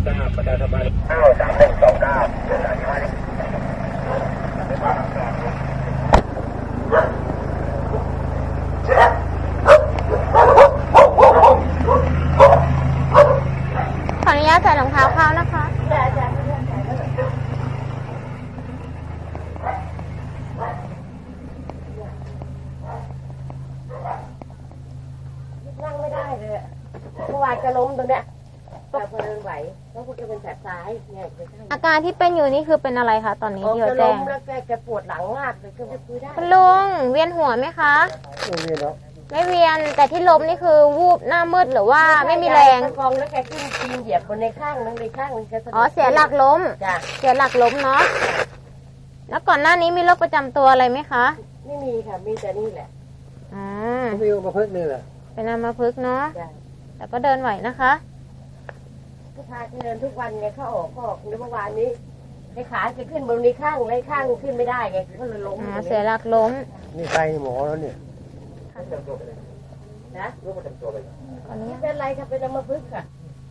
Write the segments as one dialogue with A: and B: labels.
A: ทราบประชาสัมพันธ์93129
B: ขออนุญาตใส่รองเท้าเข้านะคะ
C: นั่งไม่ได้เลยเมื่อวานจะล้มตรงเนี้ยแต่พอเดินไหวแล้วคุณจะเป็นแผลซ้ายเนี่ย
B: อาการที่เป็นอยู่นี่คือเป็นอะไรคะตอนนี้ที่เรา
C: จะ
B: แจ้
C: ล้
B: ง
C: มแล้วแกปวดหลังมากเลยก็ไม่คุยได้
B: คุณลุงเวียนหัวไหมคะไม่เวียนแต่ที่ล้มนี่คือวูบหน้ามืดหรือว่าไม่มีแรง
C: กองแล้วแกขึ้นปีนเหยียบบนในข้างนึงในข้างนึงแก
B: อ๋อเสียหลักล้ม
C: จ้ะ
B: เสียหลักล้มเนาะแล้วก่อนหน้านี้มีโรคประจำตัวอะไรไหมคะ
C: ไม่มีค่ะมีแต่นี่แหละ
B: อ๋อ
D: มีมาพึ่งนี่แหละ
B: เป็นอัมพฤกษ์เนาะ
C: จ้ะ
B: แต่ก็เดินไหวนะคะ
C: ผู้ชายเดินทุกวันไงเขาออกก็ออกเมื่อวานนี้ในขาจะขึ้นบนในข้างในข้างขึ้นไม่ได้ไงก็เลยล้ม
B: อ๋อเสียหลักล้ม
D: นี่ใครหมอแล้วเนี่ย
C: นะ
A: รู้ประจำตัวไป
B: ขออนุ
C: ไม่
B: ญาต
C: เป็นไรค่ะเป็นอัมพฤกษ์ค่ะ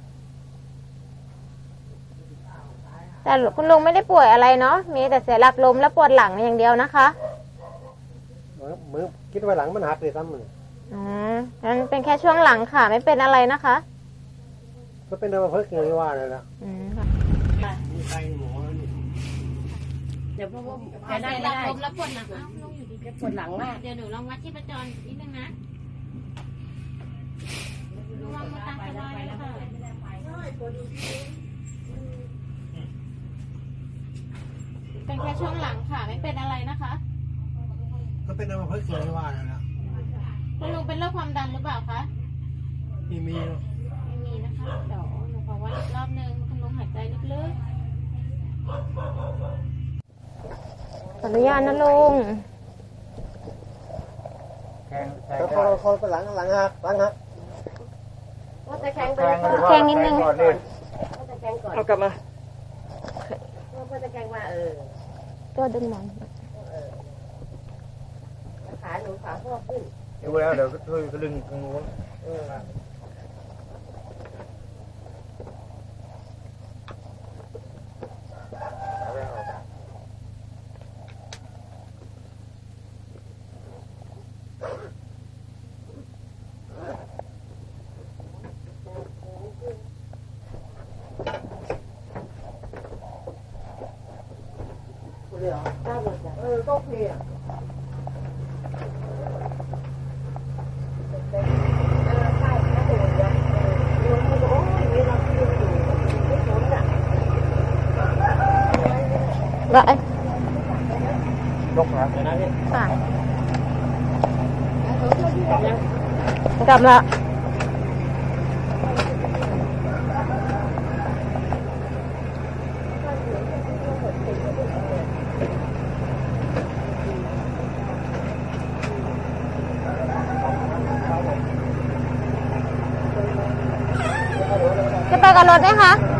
B: แต่คุณลุงไม่ได้ป่วยอะไรเนาะมีแต่เสียหลักล้มและปวดหลังอย่างเดียวนะคะ
D: มือคิดว่าหลังมันหักเลยซ้ำมัน
B: อ๋องั้นเป็นแค่ช่วงหลังค่ะ ไม่เป็นอะไรนะคะ
D: ก็เป็นมาพึ่งอย่างที่ว่าเลยนะ
B: อืมค่ะ
D: นี่ใครหมอแล้วเนี่ย
C: เดี๋ยวเพราะว่าแก
B: เสี
C: นั่ง
B: ยห
C: ไม่
B: ลัก
C: ได้
B: ล้มแล้วปวดหลังอ้าวลุงอยู่ดี
C: แกปวดหลังมาก
B: เดี๋ยวหนูลองวัดชีพจรนิดนึงนะระวังมือตาสบายนะคะเป็นแค่ช่วงหลังค่ะ ไม่เป็นอะไรนะคะ
D: ก็เป็นมาพึ่งอย่างที่ว่าเลยนะ
B: คุณลุงเป็นโรคความดันหรือเปล่าคะ
D: มี
B: ไม่มีนะคะ เดี๋ยวหนูขอวัดอีกรอบนึงคุณลุงหายใจลึกๆขออนุญาตนะลุง
D: แล้วคนก็หลังหัก
C: ว่าจะแข็งไป
B: แข็งนิดนึง
C: ว่าจะแข็งก่อน
D: เอากลับมา
C: ว่าจะแข็งว่า
B: ตัวดึงหมอน
C: ขาหนูขาพ่อขึ้น
A: ดูแล้วเดี๋ยวก็ช่วยกระดึงตรงนู้น
C: ได้หมดจ้ะ
D: ก็เพลีย
C: ใช่ถ้าโดนนะโดนโอ้ยมีเราที่อยู่ไม่พ้นอ่ะ
B: ได้
A: ยกนะเดี๋ยวนะพี่
B: ค่ะกลับละจะไปกับรถไหมคะ